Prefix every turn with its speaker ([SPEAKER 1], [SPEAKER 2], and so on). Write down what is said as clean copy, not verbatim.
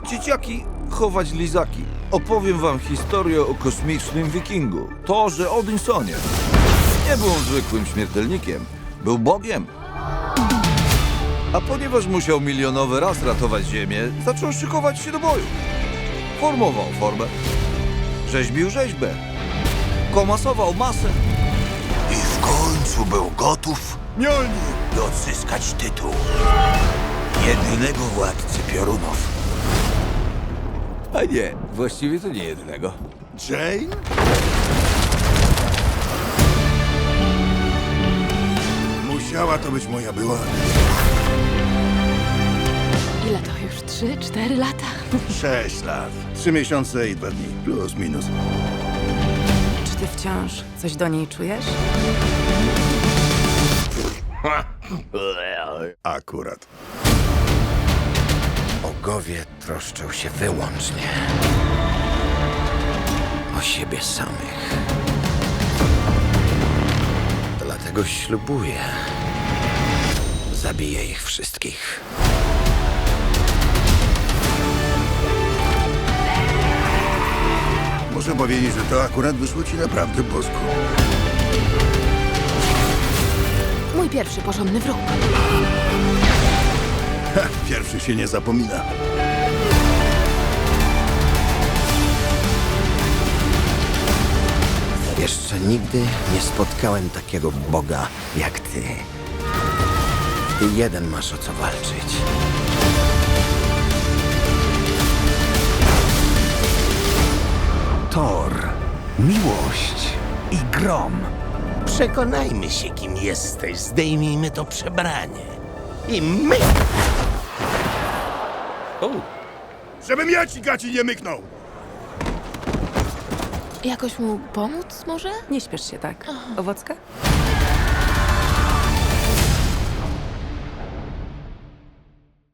[SPEAKER 1] Dzieciaki, chować lizaki. Opowiem wam historię o kosmicznym wikingu, Thorze Odinsonie. Nie był on zwykłym śmiertelnikiem, był bogiem. A ponieważ musiał milionowy raz ratować Ziemię, zaczął szykować się do boju. Formował formę, rzeźbił rzeźbę, komasował masę i w końcu był gotów
[SPEAKER 2] Mjolnir!
[SPEAKER 1] by odzyskać tytuł jedynego władcy piorunów. A nie, właściwie to nie jedynego.
[SPEAKER 2] Jane? Musiała to być moja była.
[SPEAKER 3] Ile to już? 3-4 lata?
[SPEAKER 2] 6 lat. 3 miesiące i 2 dni. Plus, minus.
[SPEAKER 3] Czy ty wciąż coś do niej czujesz?
[SPEAKER 2] Akurat.
[SPEAKER 4] Bogowie troszczą się wyłącznie o siebie samych. Dlatego ślubuję. Zabiję ich wszystkich.
[SPEAKER 2] Muszę powiedzieć, że to akurat wyszło ci naprawdę bosko.
[SPEAKER 3] Mój pierwszy porządny wróg.
[SPEAKER 2] Ha, pierwszy się nie zapomina.
[SPEAKER 4] Jeszcze nigdy nie spotkałem takiego Boga jak ty. Ty jeden masz o co walczyć.
[SPEAKER 5] Thor, miłość i grom.
[SPEAKER 6] Przekonajmy się, kim jesteś. Zdejmijmy to przebranie. I my...
[SPEAKER 2] Żebym ja ci gaci nie myknął!
[SPEAKER 3] Jakoś mu pomóc może?
[SPEAKER 7] Nie śpiesz się tak. Owocka?